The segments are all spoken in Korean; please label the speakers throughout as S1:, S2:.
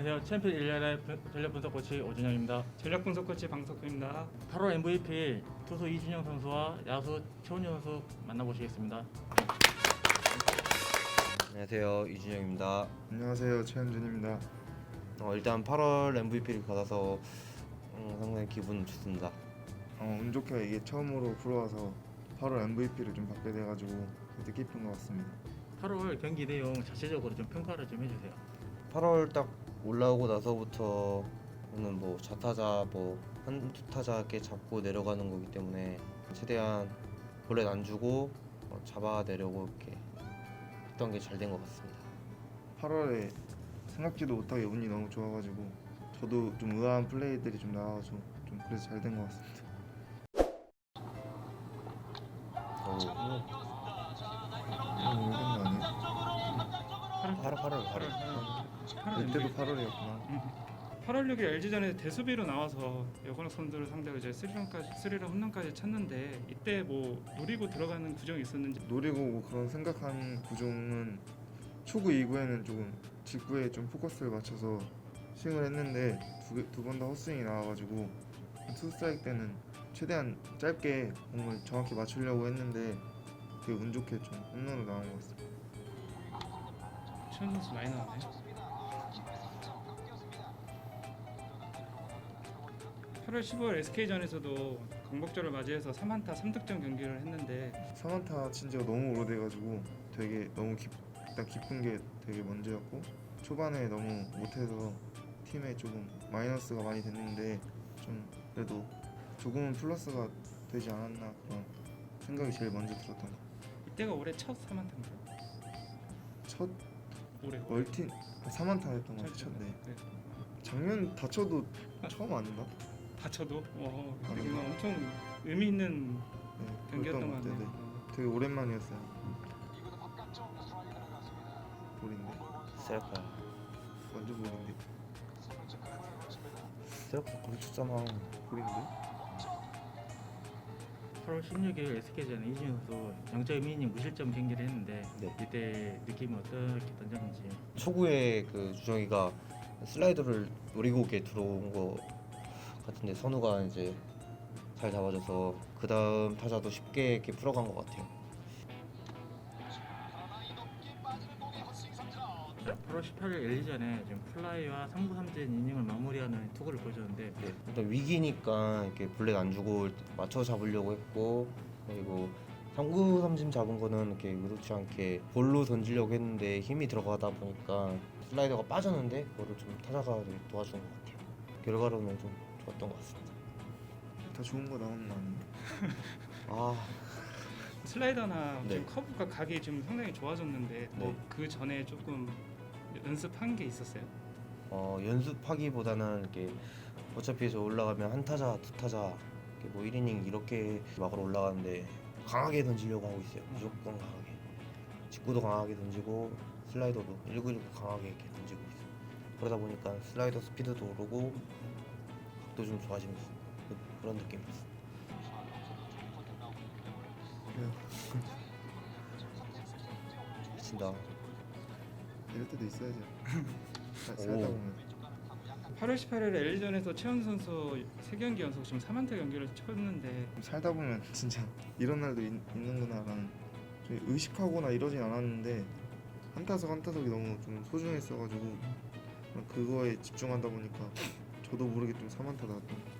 S1: 안녕하세요. 챔피언 1년의 전략 분석 코치 오준영입니다.
S2: 전략 분석 코치 방석규입니다.
S1: 8월 MVP 투수 이준영 선수와 야수 최원준 선수 만나보시겠습니다.
S3: 안녕하세요, 이준영입니다.
S4: 안녕하세요, 최현준입니다.
S3: 일단 8월 MVP를 받아서 상당히 기분 좋습니다.
S4: 운 좋게 이게 처음으로 프로와서 8월 MVP를 좀 받게 돼가지고 뜻깊은 것 같습니다.
S1: 8월 경기 내용 자체적으로 좀 평가를 좀 해주세요.
S3: 8월 딱 올라오고 나서부터는 뭐 좌타자 한두 타자 게 잡고 내려가는 거기 때문에 최대한 볼넷 안 주고 잡아내려고 이렇게 했던 게 잘 된 것 같습니다.
S4: 8월에 생각지도 못하게 운이 너무 좋아가지고 저도 좀 의아한 플레이들이 좀 나와가지고 좀 그래서 잘 된 것 같습니다. 이건 거 아니에요?
S3: 8월.
S4: 이때도 8월이었구나.
S2: 8월 6일 LG전에 대수비로 나와서 여건호 선수를 상대로 이제 3런 홈런까지 쳤는데 이때 뭐 노리고 들어가는 구정이 있었는지.
S4: 노리고 뭐 그런 생각한 구종은 초구 2구에는 조금 직구에 좀 포커스를 맞춰서 스윙을 했는데 두 번 다 헛스윙이 나와가지고 투 스트라이크 때는 최대한 짧게 공을 정확히 맞추려고 했는데 되게 운 좋게 좀 홈런으로 나온 것 같습니다.
S2: 최원 선수 많이 나왔네요. 8월 15일 SK전에서도 강복절을 맞이해서 3안타 3득점 경기를 했는데
S4: 3안타 친 지가 너무 오래돼가지고 되게 너무 일단 기쁜 게 되게 먼저였고 초반에 너무 못해서 팀에 조금 마이너스가 많이 됐는데 좀 그래도 조금은 플러스가 되지 않았나 그런 생각이 제일 먼저 들었던 것 같아요.
S2: 이때가 올해 첫 3안타인가요?
S4: 첫
S2: 올해
S4: 멀티 3안타 했던 것 같아요. 첫, 네. 작년 다쳐도 처음 아닌가?
S2: 다쳐도 되게
S4: 아닌가?
S2: 엄청 의미 있는
S4: 네,
S2: 경기였던 것
S4: 그랬던
S2: 같네요.
S4: 같아요. 되게 오랜만이었어요. 볼인데
S3: 세라파.
S4: 완전 볼인데
S3: 세라파 거기 쳤잖아.
S4: 볼인데
S1: 8월 16일 SK전 이준영 선수 0.2이닝 무실점 경기를 했는데
S3: 네.
S1: 이때 느낌이 어떻게 던졌는지.
S3: 초구에 그 주정이가 슬라이더를 노리고 이렇게 들어온 거 같은데 선우가 이제 잘 잡아줘서 그 다음 타자도 쉽게 이렇게 풀어간 것 같아요.
S1: 자, 8월 18일 LG전에 지금 플라이와 3구 3진 이닝을 마무리하는 투구를 보여줬는데
S3: 네, 일단 위기니까 이렇게 볼넷 안 주고 맞춰 잡으려고 했고, 그리고 3구 3진 잡은 거는 이렇게 의도치 않게 볼로 던지려고 했는데 힘이 들어가다 보니까 슬라이더가 빠졌는데 그거를 좀 타자가 되게 도와준 것 같아요. 결과로는 좀 좋았던 것 같습니다.
S4: 다 좋은 거 나오는 거 아니에요?
S3: 아,
S2: 슬라이더나
S3: 네.
S2: 지금 커브가 각이 좀 상당히 좋아졌는데
S3: 네.
S2: 그 전에 조금 연습한 게 있었어요?
S3: 연습하기보다는 이렇게 어차피 저 올라가면 한 타자, 두 타자, 이렇게 뭐 1이닝 이렇게 막으로 올라가는데 강하게 던지려고 하고 있어요. 무조건 강하게. 직구도 강하게 던지고 슬라이더도 1919 강하게 이렇게 던지고 있어요. 그러다 보니까 슬라이더 스피드도 오르고 각도 좀 좋아지면서 그런 느낌이었어요. 미친다.
S4: 이럴 때도 있어야죠. 살다
S3: 오.
S4: 보면
S2: 8월 18일 LG전에서 최원 선수 3경기 연속 지금 3안타 경기를 쳤는데
S4: 살다 보면 진짜 이런 날도 있는구나라는 좀 의식하거나 이러진 않았는데 한 타석 한 타석이 너무 좀 소중했어가지고 그거에 집중하다 보니까 저도 모르게 좀 3안타 나왔던 것 같아요.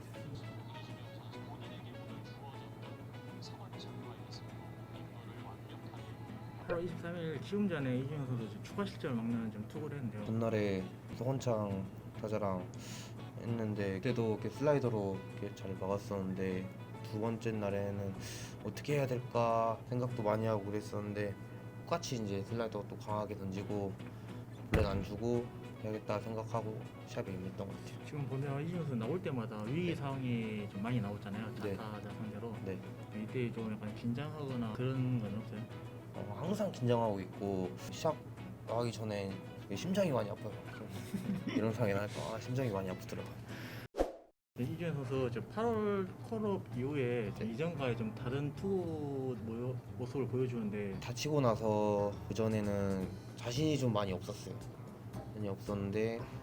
S1: 8월 23일 키움전에 이준영 선수 지금 추가 실점을 막는 좀 투구를 했는데요.
S3: 전날에 서건창 타자랑 했는데 그때도 이렇게 슬라이더로 이렇게 잘 막았었는데 두 번째 날에는 어떻게 해야 될까 생각도 많이 하고 그랬었는데 똑같이 이제 슬라이더가 또 강하게 던지고 볼넷 안 주고 해야겠다 생각하고 시합에 임했던 것 같아요.
S1: 지금 보면 이준영 선수 나올 때마다 위기 상황이 좀 많이 나오잖아요.
S3: 네.
S1: 자타자 상대로.
S3: 네,
S1: 이때 좀 약간 긴장하거나 그런 건 없어요?
S3: 항상 긴장하고 있고 시합 나가기 전에 되게 심장이 많이 아파요. 이런 상황이 나니까 심장이 많이 아프더라고요.
S1: 이준영 선수 지금 8월 콜업 이후에 이전과의 좀 다른 투구 모습을 보여주는데
S3: 다치고 나서 그 전에는 자신이 좀 많이 없었어요. 많이 없었는데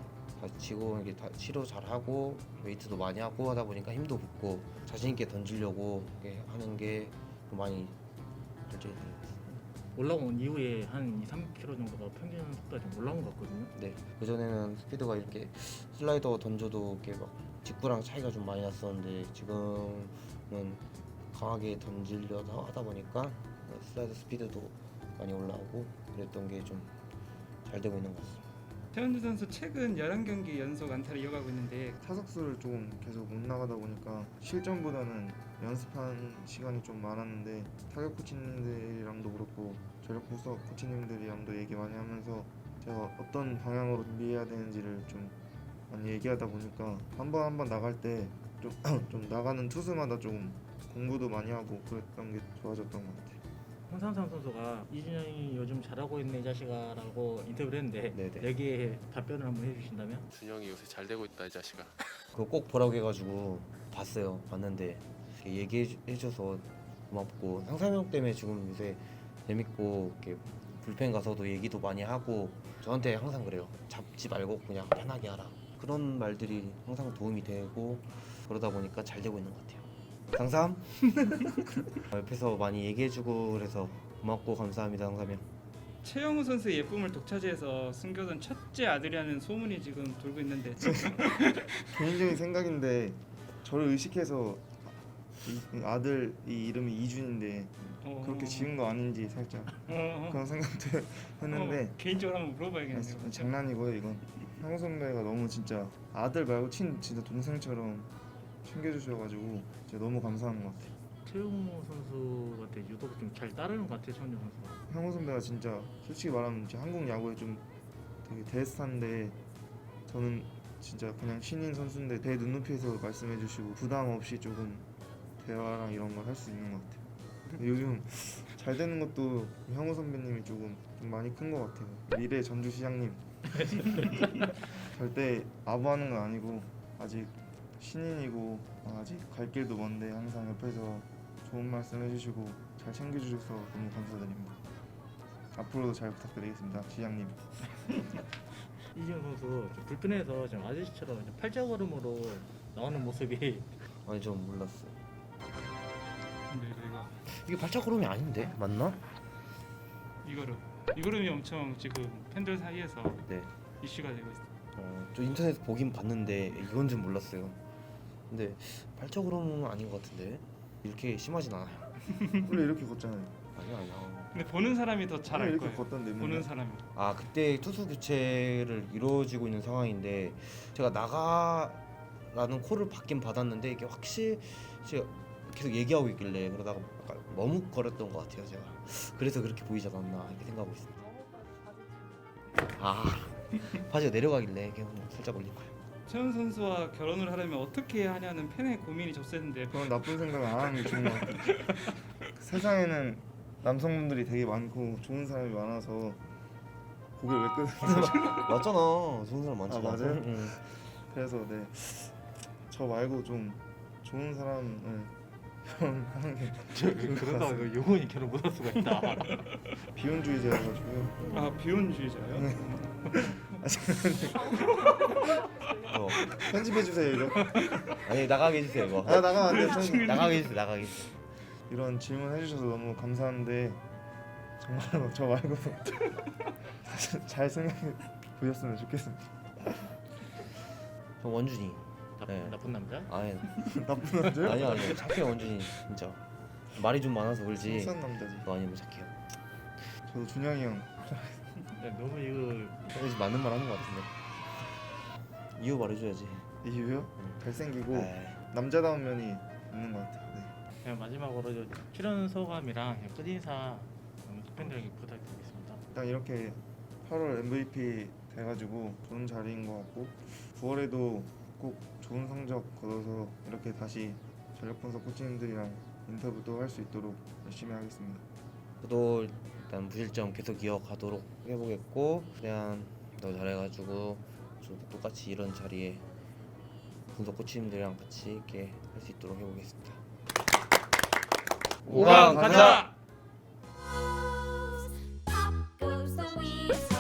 S3: 다시 치고 이게 다 치료 잘 하고 웨이트도 많이 하고 하다 보니까 힘도 붙고 자신 있게 던지려고 이렇게 하는 게 좀 많이 발전이 되는 것 같습니다.
S1: 올라온 이후에 한 2, 3km 정도가 평균 속도가 좀 올라온 것 같거든요.
S3: 네, 그 전에는 스피드가 이렇게 슬라이더 던져도 이렇게 막 직구랑 차이가 좀 많이 났었는데 지금은 강하게 던지려다 하다 보니까 슬라이더 스피드도 많이 올라오고 그랬던 게 좀 잘 되고 있는 것 같습니다.
S2: 최현주 선수 최근 11경기 연속 안타를 이어가고 있는데
S4: 타석수를 좀 계속 못 나가다 보니까 실전보다는 연습한 시간이 좀 많았는데 타격 코치님들이랑도 그렇고 전력 분석 코치님들이랑도 얘기 많이 하면서 제가 어떤 방향으로 준비해야 되는지를 좀 많이 얘기하다 보니까 한 번 나갈 때 좀 나가는 투수마다 좀 공부도 많이 하고 그랬던 게 좋아졌던 것 같아요.
S1: 홍상삼 선수가 이준영이 요즘 잘하고 있네 이 자식아라고 인터뷰를 했는데
S3: 네네.
S1: 여기에 답변을 한번 해주신다면?
S5: 준영이 요새 잘 되고 있다 이 자식아.
S3: 그거 꼭 보라고 해가지고 봤어요. 봤는데 이렇게 얘기해줘서 고맙고 상상력 때문에 지금 요새 재밌고 이렇게 불펜 가서도 얘기도 많이 하고 저한테 항상 그래요. 잡지 말고 그냥 편하게 하라. 그런 말들이 항상 도움이 되고 그러다 보니까 잘 되고 있는 것 같아요. 상삼 옆에서 많이 얘기해주고 그래서 고맙고 감사합니다. 상삼이 형.
S2: 최영우 선수의 예쁨을 독차지해서 숨겨둔 첫째 아들이라는 소문이 지금 돌고 있는데
S4: 개인적인 생각인데 저를 의식해서 아들 이 이름이 이준인데 그렇게 지은 거 아닌지 살짝 그런 생각도 했는데
S2: 개인적으로 한번 물어봐야겠네요.
S4: 장난이고요 이건. 형우 선배가 너무 진짜 아들 말고 진짜 동생처럼 챙겨주셔가지고 진짜 너무 감사한 것 같아요.
S1: 최용호 선수한테 유독 좀 잘 따르는 것 같아요, 최원준 선수가.
S4: 형우 선배가 진짜 솔직히 말하면 진짜 한국 야구에 좀 되게 대스타인데 저는 진짜 그냥 신인 선수인데 제 눈높이에서 말씀해주시고 부담 없이 조금 대화랑 이런 걸 할 수 있는 것 같아요. 근데 요즘 잘 되는 것도 형우 선배님이 조금 좀 많이 큰 것 같아요. 미래 전주시장님 절대 아부하는 건 아니고 아직 신인이고 아직 갈 길도 먼데 항상 옆에서 좋은 말씀 해주시고 잘 챙겨주셔서 너무 감사드립니다. 앞으로도 잘 부탁드리겠습니다, 시장님.
S1: 이준영 선수 좀 불펜에서 좀 아저씨처럼 좀 팔자걸음으로 나오는 모습이
S3: 아니 전 몰랐어요.
S2: 근데
S3: 이게 발자국름이 아닌데 맞나?
S2: 이거름이 엄청 지금 팬들 사이에서
S3: 네.
S2: 이슈가 되고 있어요.
S3: 저 인터넷 보긴 봤는데 이건 좀 몰랐어요. 근데 발자국름은 아닌 것 같은데 이렇게 심하진 않아요.
S4: 원래 이렇게 걷잖아요.
S3: 아니야.
S2: 근데 보는 사람이 더 잘
S4: 원래
S2: 알
S4: 이렇게
S2: 거예요.
S4: 걷던데
S2: 보는
S4: 맨날.
S2: 사람이.
S3: 아 그때 투수 교체를 이루어지고 있는 상황인데 제가 나가라는 콜을 받긴 받았는데 이게 확실히 제가 계속 얘기하고 있길래 그러다가 약간 머뭇거렸던 것 같아요 제가. 그래서 그렇게 보이지 않았나 이렇게 생각하고 있습니다. 아 바지가 내려가길래 그냥 살짝 올린 거예요.
S2: 최현 선수와 결혼을 하려면 어떻게 해야 하냐는 팬의 고민이 접수했는데
S4: 그런 나쁜 생각 안 하는 게 좋은 것 같아요. 세상에는 남성분들이 되게 많고 좋은 사람이 많아서 고개를 왜 끄는
S3: 맞잖아. 좋은 사람 많잖아.
S4: 아, 맞아요?
S3: 응.
S4: 그래서 네, 저 말고 좀 좋은 사람을 결혼하는 게
S1: 그러다가 이거 영원히 결혼 못할 수가 있다.
S4: 비혼주의자여가지고요.
S2: 아 비혼주의자예요?
S3: 어.
S4: 편집해주세요 이거.
S3: 아니 나가게 해주세요 이거.
S4: 아 나가면 안 돼요. 편집.
S3: 나가게 해주세요. 나가게 해주세요.
S4: 이런 질문 해주셔서 너무 감사한데 정말로 저 말고 잘 생각해 보셨으면 좋겠습니다.
S3: 저 원준이. 네.
S1: 나쁜 남자?
S3: 아니
S4: 나쁜 남자요?
S3: 아니요 착해요 원준이 진짜. 말이 좀 많아서 그러지.
S4: 순수한 남자지.
S3: 그거 아니면 착해요.
S4: 저도 준영이 형
S1: 야, 너무 이거
S3: 그래서 맞는 말 하는 것 같은데. 이유 말해줘야지.
S4: 이유요? 잘생기고
S3: 에이.
S4: 남자다운 면이 있는 것 같아요. 네.
S1: 그냥 마지막으로 출연 소감이랑 그냥 끝인사 팬들에게 부탁드리겠습니다.
S4: 일단 이렇게 8월 MVP 돼가지고 좋은 자리인 것 같고 9월에도 꼭 좋은 성적 거둬서 이렇게 다시 전력 분석 코치님들이랑 인터뷰도 할 수 있도록 열심히 하겠습니다.
S3: 저도 일단 무실점 계속 이어가도록 해보겠고 그냥 더 잘해가지고 저도 똑같이 이런 자리에 분석 코치님들이랑 같이 이렇게 할 수 있도록 해보겠습니다.
S2: 5강 가자!
S6: Up goes the wheels.